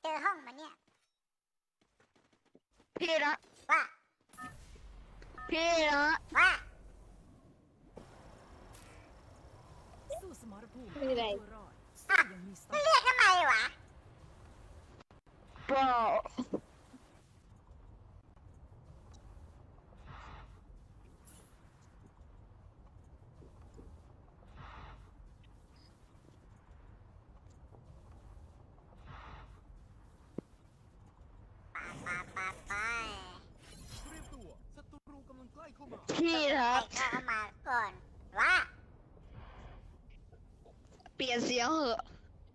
เจอห้องมันเนี่ยพี่ละว่าพี่ละว่าสู้สมรภูมิไม่ได้ตัวรอดอ่ะยังมีสจะติเรียกทำไมวะเปล่าปาไปเตรียมตัวศัตรูกำลังใกล้เข้ามาพี่ละใครเข้ามาก่อนว่าเปลี่ยนเสียงเหอะ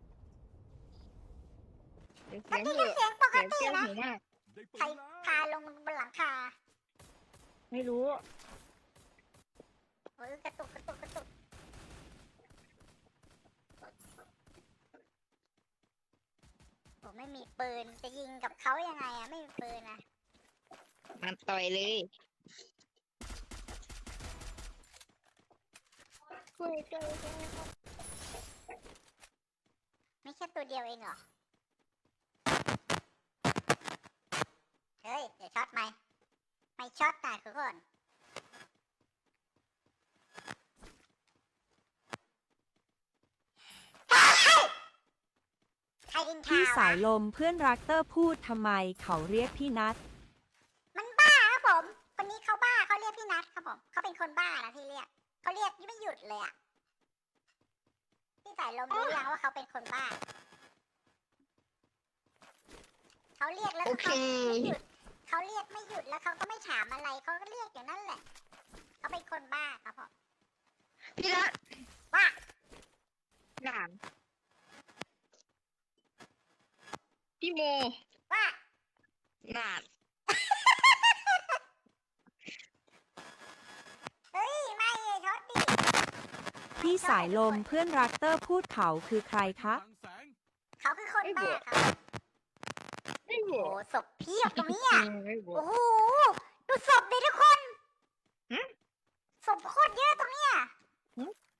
เปลี่ยนเสีเมื่ยอง กี้เหก็อะเสียงปกเสียงติเสียงนะหูมากได้ปืใครนแล้วพาลงบนหลังคาไม่รู้เฮ้ยกระตุกผมไม่มีปืนจะยิงกับเขายังไงอะไม่มีปืนอะมันต่อยเลยคุยกันไม่ใช่ตัวเดียวเองเหรอเฮ้ยเดี๋ยวช็อตไหมไม่ช็อตนะทุกคนใครดินทาพี่สาวยลมเพื่อนรักเตอร์พูดทำไมเขาเรียกพี่นัทมันบ้าครับผมคนนี้เขาบ้าเขาเรียกพี่นัทครับผมเขาเป็นคนบ้านะที่เรียกเขาเรียกไม่หยุดเลยอะพี่สายลมรู้ยังว่าเขาเป็นคนบ้าเขาเรียกแล้วโอเคเขาไม่หยุดเขาเรียกไม่หยุดแล้วเขาก็ไม่ถามอะไรเขาก็เรียกอย่างนั้นแหละเขาเป็นคนบ้าครับผมพี่ละว่าหลานพี่โมว่าหลานเฮ้ยไม่ช็อตดิพี่สายลมเพื่อนรักเตอร์พูดเขาคือใครคะทางแสงเขาคือคนบ้าครับไม่โอ้รู้โหศพเพียบตรงนี้อ่ะไม่รู้โอ้โหดูศพดิทุกคนหึศพโคตรเยอะตรงเนี้ยหึ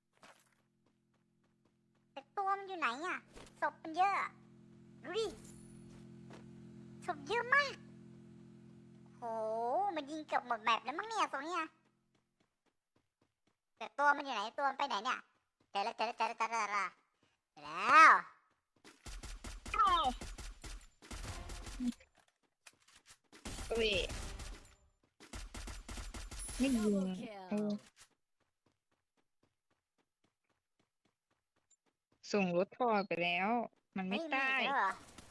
แต่ตัวมันอยู่ไหนอ่ะศพมันเยอะอะดูดิศพเยอะมากโอ้โหมันยิงเกือบหมดแมปแล้วมั้งเนี่ยตรงเนี้ยแต่ตัวมันอยู่ไหนตัวมันไปไหนเนี่ยเจอแล้วแล้วอ้าวเว้ยไม่ยิงคิเออลส่งรถทอไปแล้ว มันไม่ได้อีกแล้วเหรอ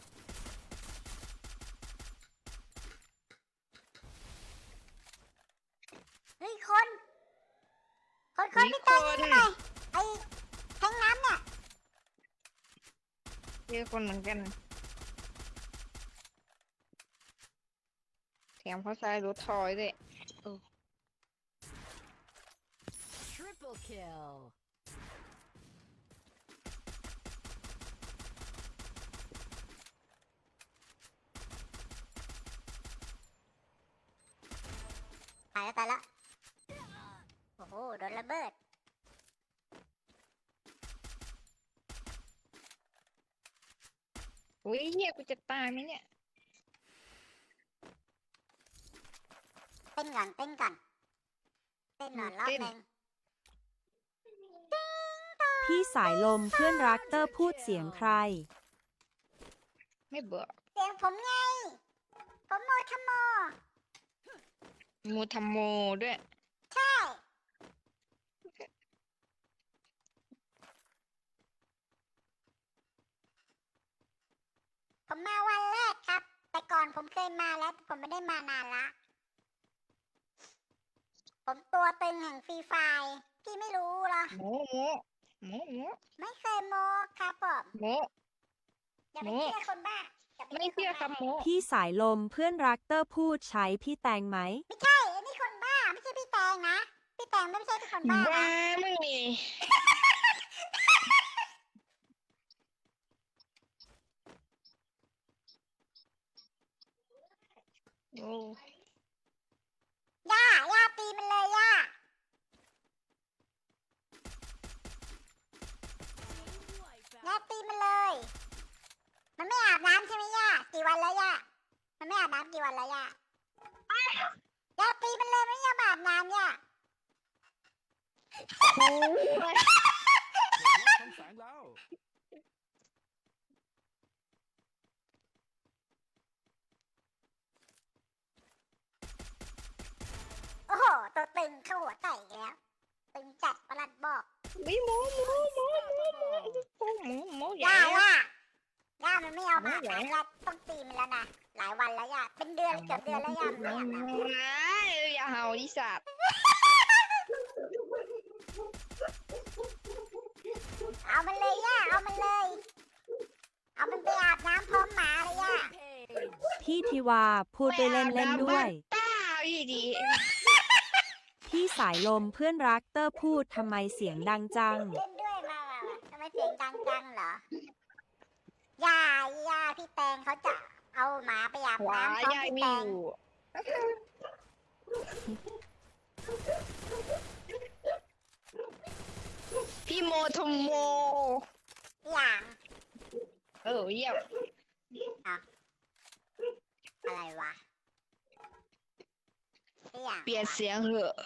เฮ้ยคนพี่มีเต้ยคนนี่ไงไอ้แทงน้ำเนี่ยเจอคนเหมือนกันแถมเขาใช้รถทอยด้วยทริปเปิลคิลตายแล้วโอ้โหโดนระเบิดอุ้ยเฮียกูจะตายไหมเนี่ยเต้นหน่อยรอบเต้นหนึ่งพี่สายลมเพื่อนรักเตอร์พูดเสียงใครไม่เบื่อเสียงผมไงผมโมทโมมูทำโมด้วยใช่ผมมาวันแรกครับ แต่ก่อนผมเคยมาแล้วแต่ผมไม่ได้มานานละ ผมตัวตึงแห่งฟรีไฟร์พี่ไม่รู้เหรอโมโมไม่เคยโมครับผมโมอย่าไปโมเชื่อคนบ้าอย่าปไม่เชื่อคนบ้าคำโมพี่สายลมเพื่อนรักเตอร์พูดใช้พี่แตงไหมไม่ใช่อันนี้คนบ้าไม่ใช่พี่แตงนะพี่แตงไม่ใช่คนบ้าว้านะมึงนี่โอ้ย่าตีมันเลยย่าตีมันเลย มันไม่อาบน้ำใช่ไหมย่าวันแล้วย่ามันไม่อาบน้ำกี่วันแล้วย่าย่าตีมันเลยไม่ยอมอาบน้ำย่าโอ้ยทำแสงแล้วโอ้โหตัวตึงเข้าหัวไก่อีกแล้วตึงจัดประหลัดบอกวิหมูใหญ่ย่ามันไม่เอามาอาบน้ำย่าต้องตีมันแล้วนะหลายวันแล้วย่าเป็นเดือนเกือบเดือนแล้วย่ามันไม่อาบน้ำอย่าเห่าดิสัตว์เอามันเลยย่าเอามันเลย เอามันไปอาบน้ำพร้อมหมาเลยย่า Page. พี่ทิวาพูดได้เล่นๆด้วยต้าพี่ดีพี่สายลมเพื่อนรักเตอร์พูดทำไมเสียงดังจังเล่นด้วยมาทำไมเสียงดังจังเหรอย่าพี่แตงเขาจะเอาหมาไปอาบหวาน้ำพร้อมยายพี่ไม่แตอง ยู่พี่โมทมโมอย่างเยี่ยมอะไรวะอย่างเปลี่ยนเสียงเหอะ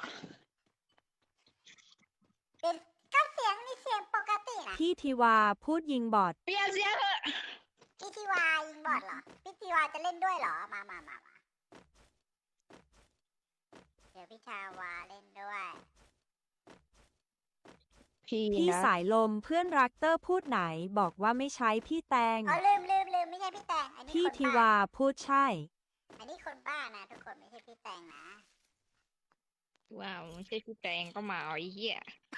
เป็นก็เสียงนี่เสียงปกตินะพี่ทิวาพูดยิงบอดเปลี่ยนเสียงเหอะพี่ทิวายิงบอดเหรอพี่ทิวาจะเล่นด้วยเหรอมาเดี๋ยวพี่ชาวาเล่นด้วยพี่พี่นะสายลมเพื่อนรักเตอร์พูดไหนบอกว่าไม่ใช้พี่แตงเอาลืมไม่ใช่พี่แตงอันนี้พี่คนทิบ้าวาพูดใช่อันนี้คนบ้านะทุกคนไม่ใช่พี่แตงนะว้าวไม่ใช่พี่แตงก็มาเอาไอ้เหี้ย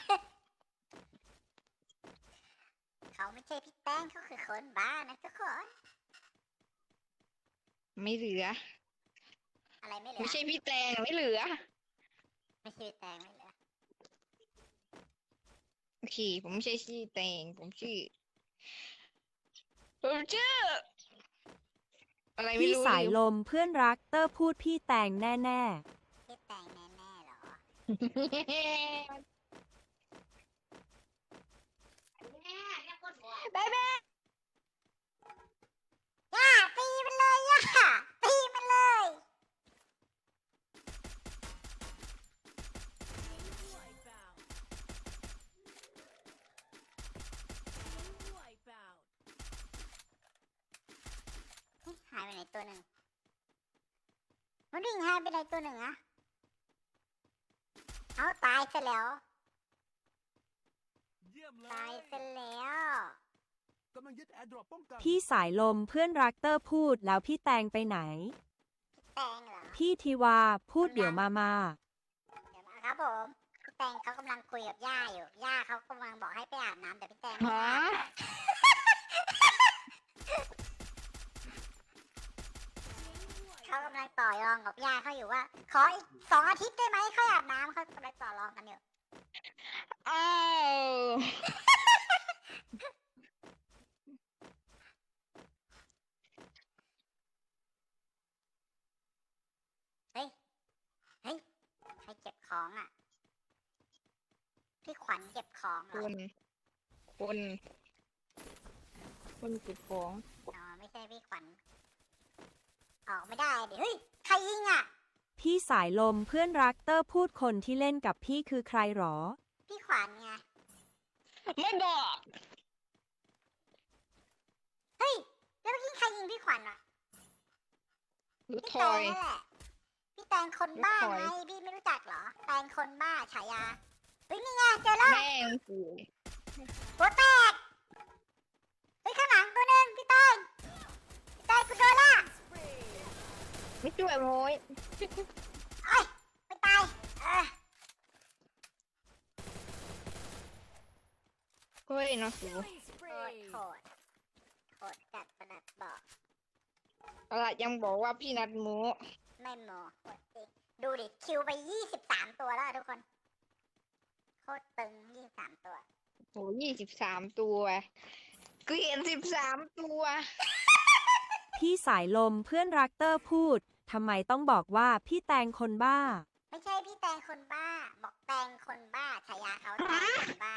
เขาไม่ใช่พี่แตงเขาคือคนบ้านะทุกคนไม่เหลืออะไรไม่เหลืไม่อใช่พี่แตงไม่เหลือไม่ใช่พี่แตงไม่เหลือโอเคผมไม่ใช่ชื่อแตงผมชื่ออะไรไม่พี่รู้สายลมเพื่อนรักเตอร์พูดพี่แตงแน่พี่แตงแน่ๆเหรอบ๊ายบายย่าตีมันเลยย่าตีมันเลย Wipeout. Wipeout. หายไปไหนตัวหนึ่งมันวิ่งหายไปไหนตัวหนึ่งอะเอาตายซะแล้วเยี่ยมเลตายยซะแล้วกำลังยึดแอร์ดรอปป้องกันๆ พี่สายลมเพื่อนรักเตอร์พูดแล้วพี่แตงไปไหนพี่แตงเหรอพี่ทิวาพูดเดี๋ยวมาเดี๋ยวมาครับผมพี่แตงเขากำลังคุยกับย่าอยู่ย่าเขากำลังบอกให้ไปอาบน้ำแต่พี่แตงไม่ฮะอาบเขากำลังต่อรองกับย่าเขาอยู่ว่า ขออีก2 อาทิตย์ได้ไหมค่อยอาบน้ำเขากำลังต่อรองกันอยู่อ้าวเฮ้ยใครเก็บของอ่ะพี่ขวัญเก็บของเหรคอนคนเก็บของอ๋อไม่ใช่พี่ขวัญออกไม่ได้ดิเฮ้ยใครยิงอ่ะๆ พี่สายลมเพื่อนรักเตอร์พูดคนที่เล่นกับพี่คือใครหรอพี่ขวัญไงไม่บอกเฮ้ยแล้วเมื่อกี้ใครยิงพี่ขวัญอ่ะหรือพี่ทแตอง ยนั่นแหละพี่แตงคนบ้าพี่ถอยไงพี่ไม่รู้จักเหรอแตงคนบ้าฉายาเฮ้ยนี่ไงเจอแล้วแม่งกูหัวแตกเฮ้ยข้างหลังตัวหนึงพี่แตงกูโดนละไม่ช่วยโม้ยเอ้ยไม่ตายเฮ้ยนะกู Killing โคตร spree. โคตรจัดประดับบอกอะไรยังบอกว่าพี่นัดโม้ไม่โมโคตรจริงดูดิคิวไป23 ตัวแล้วอะทุกคนโคตรตึง23 ตัวโห23 ตัวเกลียน13 ตัวพี่สายลมเพื่อนรักเตอร์พูดทำไมต้องบอกว่าพี่แตงคนบ้าไม่ใช่พี่แตงคนบ้า บอกแตงคนบ้าฉายาเขาแตงคนบ้า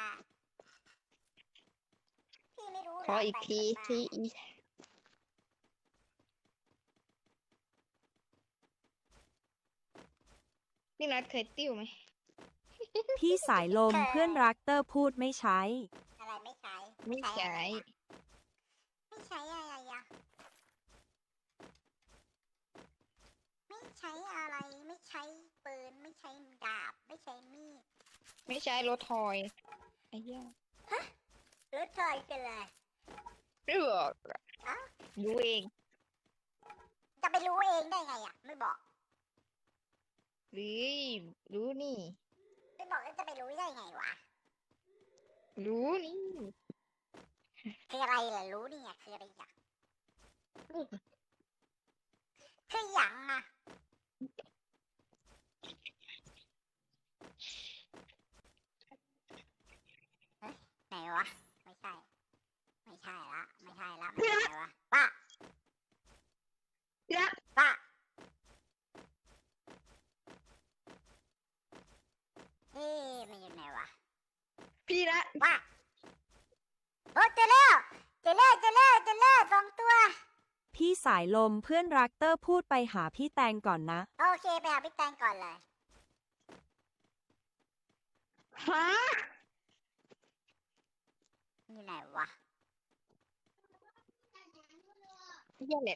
พี่ไม่รู้เหรขออีกทีแตงคนบ้าที่พี่นัทเคยติ้วไหมพี่สายลมเพื่อนรักเตอร์พูดไม่ใช้อะไรไม่ใช้ไม่ใช้ไม่ใช้อะไรอะไม่ใช้อะไรไม่ใช้ปืนไม่ใช้ดาบไม่ใช้มีดไม่ใช้รถทอยไอ้เหี้ยรถไฟกันเลยไม่บอกอะอ้าวดูเองจะไปรู้เองได้ไงอะไม่บอกหรือรู้นี่ไม่บอกแล้วจะไปรู้ได้ไงวะรู้นี่คืออะไรล่ะรู้นี่อะคืออะไรอะคือหยังอะเอ๊ะไหนวะไม่ใช่ ไม่ใช่ละไม่ใช่ละไม่ใช่วะป้าพี่นัทป้าเอ๊ะมันอยู่ไหนวะพี่นัทป้าโอ้เจอแล้วเจอแล้วเจอแล้วเจอแล้วสองตัวพี่สายลมเพื่อนรักเตอร์พูดไปหาพี่แตงก่อนนะโอเคไปหาพี่แตงก่อนเลยฮะอยู่ไหนวะเหี้ยแหละ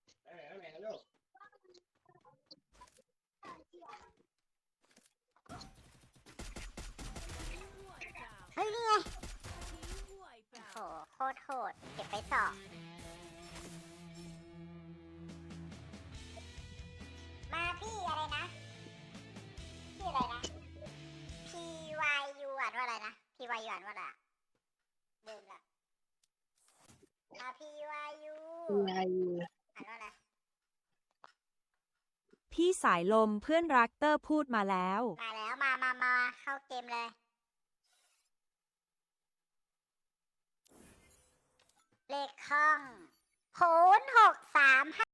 เฮ้ยนี่ไง Team โห wipeout. โคตรโหดเก็บไปสองมาพี่อะไรนะพี่อะไรนะ PYU อ่านว่าอะไรนะ PYU อ่านว่าอะไรอะลืมละPYU อะไรอ่านว่าอะไรพี่สายลมเพื่อนรักเตอร์พูดมาแล้วมาแล้วมาเข้าเกมเลย เลขห้อง0635